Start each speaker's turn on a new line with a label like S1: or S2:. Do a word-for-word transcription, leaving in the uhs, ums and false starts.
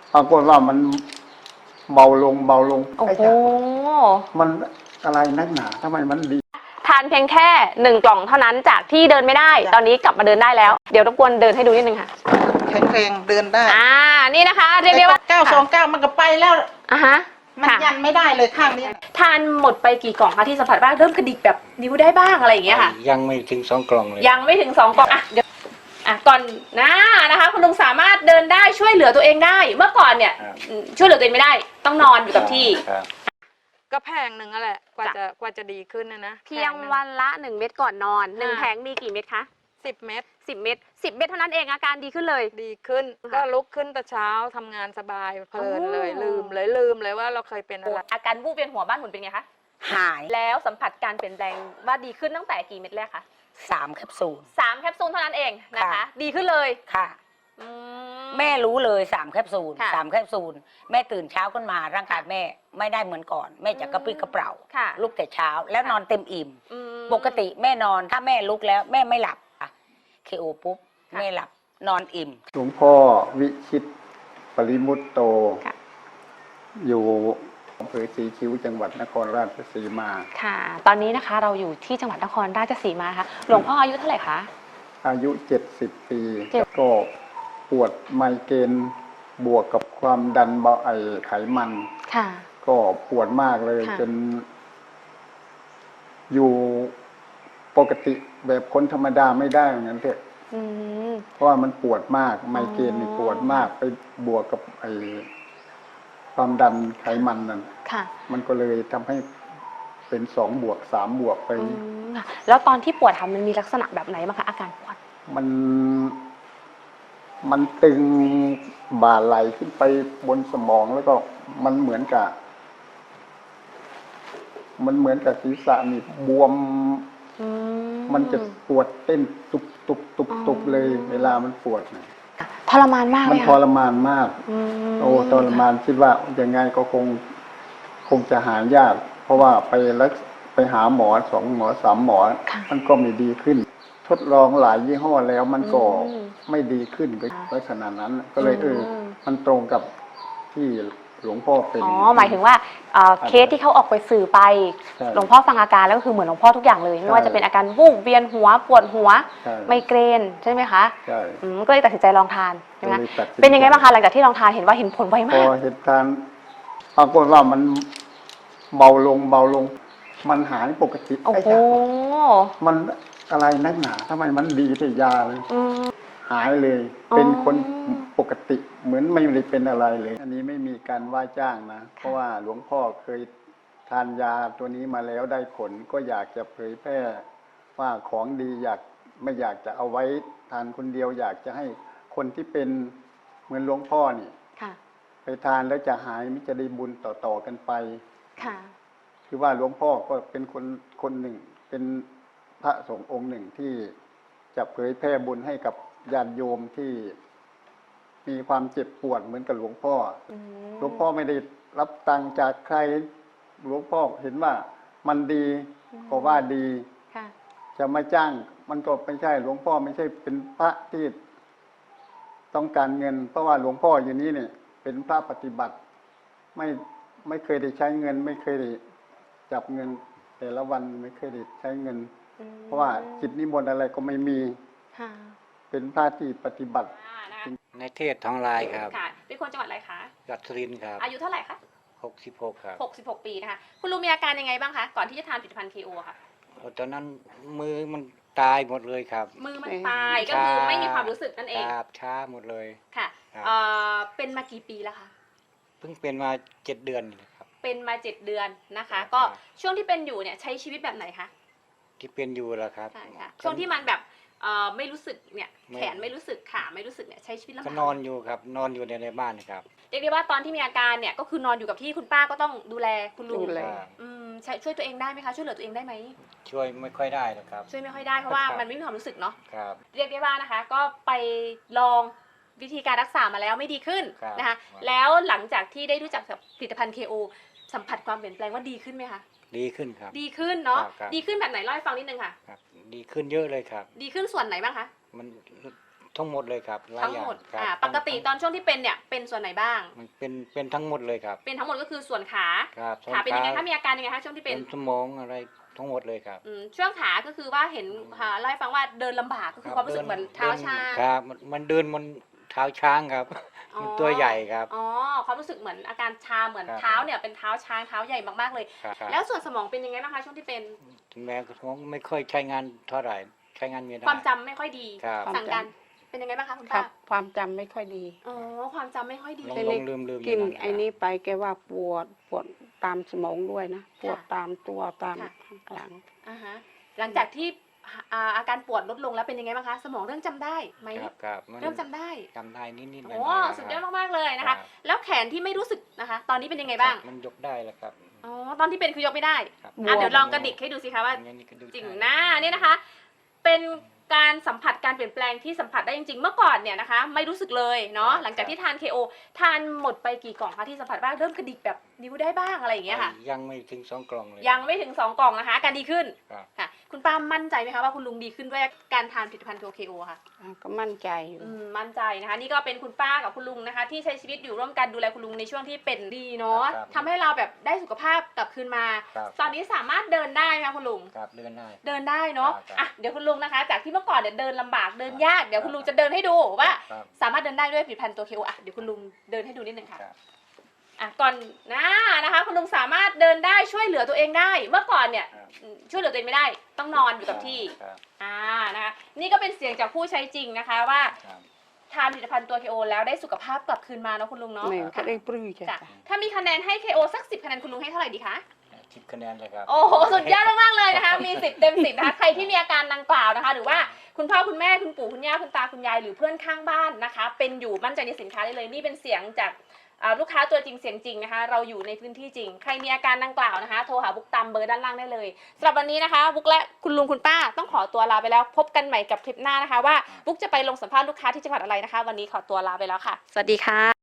S1: ปรากฏว่ามันเบาลงเบาลง
S2: โอ้โห
S1: มันอะไรนักหนาทำไมมันดี
S2: ทานเพียงแค่หนึ่งกล่องเท่านั้นจากที่เดินไม่ได้ ตอนนี้กลับมาเดินได้แล้วเดี๋ยวรบกวนเดินให้ดูนิดนึงค่ะ
S3: แข็งแรงเดินได้
S2: อ่านี่นะคะเรียกได้ว่า
S3: เก้าสองเก้ามันก็ไปแล้ว
S2: อ่ะฮะ
S3: มันยันไม่ได้เลยข้างนี้
S2: ทานหมดไปกี่กล่องคะที่สัมผัสบ้างเริ่มกระดิกแบบนิ้วได้บ้างอะไรอย่างเงี้ยค่ะ
S4: ยังไม่ถึงสองกล่องเลย
S2: ยังไม่ถึงสองกล่องอ่ะเดี๋ยวอ่ะก่อนหน้านะคะคุณลุงสามารถเดินได้ช่วยเหลือตัวเองได้เมื่อก่อนเนี่ยช่วยเหลือตัวเองไม่ได้ต้องนอนอยู่กับที่
S5: ก็แพงหนึ่งอะแหละกว่าจะกว่าจะดีขึ้นนะนะ
S2: เพียงวันละหนึ่งเม็ดก่อนนอนหนึ่งแผงมีกี่เม็ดคะ
S5: สิบเม็ด
S2: สิบเม็ดสิบเม็ดเท่านั้นเองอาการดีขึ้นเลย
S5: ดีขึ้นก็ลุกขึ้นแต่เช้าทำงานสบายเพลินเลยลืมเลยลืมเลยว่าเราเคยเป็นอะไร
S2: อาการวูบเวียนหัวบ้านหมุนเป็นไงคะ
S6: หาย
S2: แล้วสัมผัสการเปลี่ยนแปลงว่าดีขึ้นตั้งแต่กี่เม็ดแรกคะ
S6: สามแคปซูล
S2: สามแคปซูลเท่านั้นเองนะคะดีขึ้นเลย
S6: ค่ะแม่รู้เลยสามแคปซูลสามแคปซูลแม่ตื่นเช้าขึ้นมาร่างกายแม่ไม่ได้เหมือนก่อนแม่จะกระปรี้กระเปร่าลุกแต่เช้าแล้วนอนเต็มอิ่มปกติแม่นอนถ้าแม่ลุกแล้วแม่ไม่หลับเคโอปุ๊บแม่หลับนอนอิ่ม
S1: หลวงพ่อวิชิตปริมุตโตอยู่อำเภอศรีคิ้วจังหวัดนครราชสีมา
S2: ค่ะตอนนี้นะคะเราอยู่ที่จังหวัดนครราชสีมาค่ะหลวงพ่ออายุเท่าไหร่คะ
S1: อายุเจ็ดสิบปีก็ปวดไมเกรนบวกกับความดันเบาไอไขมัน
S2: ค่ะ
S1: ก็ปวดมากเลยจนอยู่ปกติแบบคนธรรมดาไม่ได้เหมือนกันเถอะเพราะว่ามันปวดมากไมเกรนนี่ปวดมากไปบวกกับไอความดันไขมันนั่นมันก็เลยทำให้เป็นสองบวกสามบวกไป
S2: แล้วตอนที่ปวดทำมันมีลักษณะแบบไหนบ้างคะอาการปวด
S1: มันมันตึงบ่าไหลขึ้นไปบนสมองแล้วก็มันเหมือนกับมันเหมือนกับศีรษะนี่บวมมันจะปวดเต้นตุบตุบตุบตุบเลยเวลามันปวดนะ
S2: ทรมานมาก
S1: มันทรมานมากโอ้ทรมานคิดว่ายังไงก็คงคงจะหายากเพราะว่าไปรักไปหาหมอสองหมอสามหมอมันก็ไม่ดีขึ้นทดลองหลายยี่ห้อแล้วมันก็ไม่ดีขึ้นก็ลักษณะนั้นก็เลยเออมันตรงกับที่หลวงพ่อเป็น
S2: อ๋อหมายถึงว่าเคสที่เขาออกไปสื่อไปหลวงพ่อฟังอาการแล้วก็คือเหมือนหลวงพ่อทุกอย่างเลยไม่ว่าจะเป็นอาการวูบเวียนหัวปวดหัวไมเกรนใช่ไหมคะ
S1: ใช่
S2: ก็เลยตัดสินใจลองทานใช่ไหมเป็นยังไงบ้างคะหลังจากที่ลองทานเห็นว่าเห็นผลไวมากพ
S1: อเห็นทานปรากฏว่ามันเบาลงเบาลงมันหายปกติ
S2: โอ้โห
S1: มันอะไรนักหนาทำไมมันดีแต่ยาเลยหายเลยเป็นคนปกติเหมือนไม่ได้เป็นอะไรเลยอันนี้ไม่มีการว่าจ้างนะเพราะว่าหลวงพ่อเคยทานยาตัวนี้มาแล้วได้ผลก็อยากจะเผยแพร่ว่าของดีอยากไม่อยากจะเอาไว้ทานคนเดียวอยากจะให้คนที่เป็นเหมือนหลวงพ่อนี่ไปทานแล้วจะหายมิจะได้บุญต่อๆกันไปคือว่าหลวงพ่อก็เป็นคนคนหนึ่งเป็นพระสงฆ์องค์หนึ่งที่จะเผยแพร่บุญให้กับญาติโยมที่มีความเจ็บปวดเหมือนกับหลวงพ่อหลวงพ่อไม่ได้รับตังค์จากใครหลวงพ่อเห็นว่ามันดีก็ว่าดีจะมาจ้างมันก็ไม่ใช่หลวงพ่อไม่ใช่เป็นพระที่ต้องการเงินเพราะว่าหลวงพ่ออยู่นี้เนี่ยเป็นพระปฏิบัติไม่ไม่เคยได้ใช้เงินไม่เคยได้จับเงินแต่ละวันไม่เคยได้ใช้เงินเพราะว่าจิตนิมนต์อะไรก็ไม่มีเป็นพระที่ปฏิบัติ
S4: ในเทศท้องลายครับ
S2: ค่ะเป็นคนจังหวัดอะไรคะ
S4: จังหวัดสุรินทร์ครับ
S2: อายุเท่าไหร่คะ
S4: หกสิบหกครับ
S2: หกสิบหกปีนะคะคุณลุงมีอาการยังไงบ้างคะก่อนที่จะทานผลิตภัณฑ์ เค โอ ค่ะ
S4: ตอนนั้นมือมันตายหมดเลยครับ
S2: มือมันตายก็คือไม่มีความรู้สึกนั่นเอง
S4: ครับช้าหมดเลย
S2: ค่ะเป็นมากี่ปีแล้วคะ
S4: เพิ่งเป็นมาเจ็ดเดือนครับ
S2: เป็นมาเจ็ดเดือนนะคะก็ช่วงที่เป็นอยู่เนี่ยใช้ชีวิตแบบไหนคะ
S4: ที่เป็นอยู่แล้วครับ
S2: ใช่ค่ะช่วงที่มันแบบไม่รู้สึกเนี่ยแขนไม่รู้สึกขาไม่รู้สึกเนี่ยใช้ชีวิตลำบาก
S4: ก็นอนอยู่ครับนอนอยู่ในในบ้านครับ
S2: เรียกได้ว่าตอนที่มีอาการเนี่ยก็คือนอนอยู่กับที่คุณป้าก็ต้องดูแลคุณลุงช่วยตัวเองได้ไหมคะช่วยเหลือตัวเองได้ไหม
S4: ช่วยไม่ค่อยได้ครับ
S2: ช่วยไม่ค่อยได้เพราะว่ามันไม่มีความรู้สึกเนาะ
S4: ครับ
S2: เรียกได้ว่านะคะก็ไปลองวิธีการรักษามาแล้วไม่ดีขึ้นนะคะแล้วหลังจากที่ได้รู้จักกับผลิตภัณฑ์ เค โอ สัมผัสความเปลี่ยนแปลงว่าดีขึ้นไหมคะ
S4: ดีขึ้นครับ
S2: ดีขึ้นเนาะดีขึ้นแบบไหนเล่าให้ฟังนิดนึงค่ะ
S4: ดีขึ้นเยอะเลยครับ
S2: ดีขึ้นส่วนไหนบ้างคะ
S4: มันททั้งหมดเลยครับลาย
S2: ทั้ง
S4: อย่า
S2: หมด
S4: ครับ
S2: อ่าปกติตอนช่วงที่เป็นเนี่ยเป็นส่วนไหนบ้าง
S4: มันเป็นเป็นทั้งหมดเลยครับ
S2: เป็นทั้งหมดก็คือส่วนขา
S4: ครับ
S2: ขาเป็นยังไง
S4: ส้
S2: คะมีอาการยังไงคะช่วงที่
S4: เป็
S2: เป็น
S4: นสมองอะไรทั้งหมดเลยครับ
S2: อืมช่วงขาก็คือว่าเห็นค่ะเล่าให้ฟังว่าเดินลำบากก็คือความรู้สึกเหมือนเท้าชา
S4: ครับมันมันเดินมันเท้าช้างครับ
S2: อ๋อ
S4: มันตัวใหญ่ครับ
S2: อ๋อความรู้สึกเหมือนอาการชาเหมือน
S4: ครับ
S2: เท้าเนี่ยเป็นเท้าช้างเท้าใหญ่มากๆเลย
S4: ครับครับ
S2: แล้วส่วนสมองเป็นยังไงบ้างคะช่วงที่เป็น
S4: แม่ก็ท้องไม่ค่อยใช้งานเท่าไหร่ใช้งานไม่ได้
S2: ความจำไม่ค่อยดี
S4: ครับ
S2: สั่งการเป็นยังไงบ้างคะคุณ
S7: ครั
S2: ป้า
S7: บความจำไม่ค่อยดี
S2: อ๋อความจำไม่ค่อยดี
S4: ลง
S7: ไป
S4: ล
S7: เล็
S4: งลืมลืม
S7: กิน
S4: ยู่
S7: ไอ้นี้ไปแกว่าปวดปวดตามสมองด้วยนะ ปวด
S2: ค่ะ
S7: ตามตัวตาม
S2: ค่ะ
S7: ข้างหลัง
S2: อ่าฮะหลังจากที่อ่าอาการปวดลดลงแล้วเป็นยังไงบ้างคะ สมองเริ่มจำได้ไหม
S4: ครับครับมัน
S2: เริ่มจำได้
S4: จำได้นิดนิดๆหน่อย
S2: โอ้
S4: ๆครับ
S2: สุดยอดมากๆเลยนะ
S4: ครั
S2: คะ
S4: บ
S2: แล้วแขนที่ไม่รู้สึกนะคะ ตอนนี้เป็นยังไงบ้าง
S4: มันยกได้แล้วครับ
S2: อ๋อตอนที่เป็นคือยกไม่ได้
S4: ครับ
S2: อ่ะเดี๋ยวลองกระดิกให้ดูสิคะว่า
S4: อย่นี้ก็ดู
S2: จริง
S4: ได้
S2: หน้าเนี่ยนะคะ เป็นการสัมผัสการเปลี่ยนแปลงที่สัมผัสได้จริงๆ เมื่อก่อนเนี่ยนะคะ ไม่รู้สึกเลยเนาะหลังจากที่ทาน เค โอ ทานหมดไปกี่กล่องคะที่สัมผัสบ้างเริ่มกระดิกแบบนิ้วได้บ้างอะไรอย่างเงี้ยค่ะ
S4: ยังไม่ถึงสองกล่องเลย
S2: ยังไม่ถึงสองกล่องนะคะอาการดีขึ้น
S4: ครับ
S2: ค่ะ คุณป้ามั่นใจไหมคะว่าคุณลุงดีขึ้นด้วยการทานผลิตภัณฑ์ เค โอ ค่ะ
S7: อ่าก็มั่นใจอยู่
S2: อืมมั่นใจนะคะ นี่ก็เป็นคุณป้ากับคุณลุงนะคะ ที่ใช้ชีวิตอยู่ร่วมกันดูแลคุณลุงในช่วงที่เป็นดีเนาะ
S4: ครับ
S2: ทำให้เราแบบได้สุขภาพกลับคืนมา
S4: ครับ
S2: ตอนนี้สามารถเดินได้ไหมคะคุณลุง
S4: ครับเดินได้
S2: เดินได้เนาะ
S4: ครับ
S2: อ่ะเดี๋ยวคุณลุงนะคะ จากที่เมื่อก่อนเนี่ยเดินลำบากเดินยากเดี๋ยวคุณลุงจะเดินให้ดูว่า
S4: ครับ
S2: สามารถเดินได้ด้วยผลิตภัณฑ์ตัว เค โอ อ่ะเดี๋ยวคุณลุงเดินให้ดูนิดนึงค่ะ
S4: ครับ
S2: อ่ะก่อนหน้านะคะ คุณลุงสามารถเดินได้ช่วยเหลือตัวเองได้ เมื่อก่อนเนี่ย
S4: ครับ
S2: อืมช่วยเหลือตัวเองไม่ได้ ต้องนอนอยู่กับที่
S4: ครับ
S2: อ่านะคะนี่ก็เป็นเสียงจากผู้ใช้จริงนะคะว่า
S4: ครับ
S2: ทานผลิตภัณฑ์ตัว เค โอ แล้วได้สุขภาพกลับคืนมาเนาะคุณลุงเนาะ
S7: ไม่ก็ได้ปลื้มใจ
S2: จ้ะถ้ามีคะแนนให้ เค โอ สักสิบคะแนนคุณลุงให้เท่าไหร่ดีคะ
S4: สิบคะแนนเลยครับ
S2: โอ้โหสุดยอดมากๆเลยนะคะ มีสิบเต็มสิบนะคะใครที่มีอาการดังกล่าวนะคะ หรือว่าคุณพ่อคุณแม่คุณปู่คุณย่าคุณตาคุณยายหรือเพื่อนข้างบ้านนะคะ เป็นอยู่มั่นใจในสินค้าได้เลยนี่เป็นเสียงจากอ่าลูกค้าตัวจริงเสียงจริงนะคะ เราอยู่ในพื้นที่จริง ใครมีอาการดังกล่าวนะคะ โทรหาบุ๊กตามเบอร์ด้านล่างได้เลยสำหรับวันนี้นะคะบุ๊กและคุณลุงคุณป้าต้องขอตัวลาไปแล้ว พบกันใหม่กับคลิปหน้านะคะ ว่าบุ๊กจะไปลงสัมภาษณ์ลูกค้าที่จังหวัดอะไรนะคะ วันนี้ขอตัวลาไปแล้วค่ะ สวัสดีค่ะ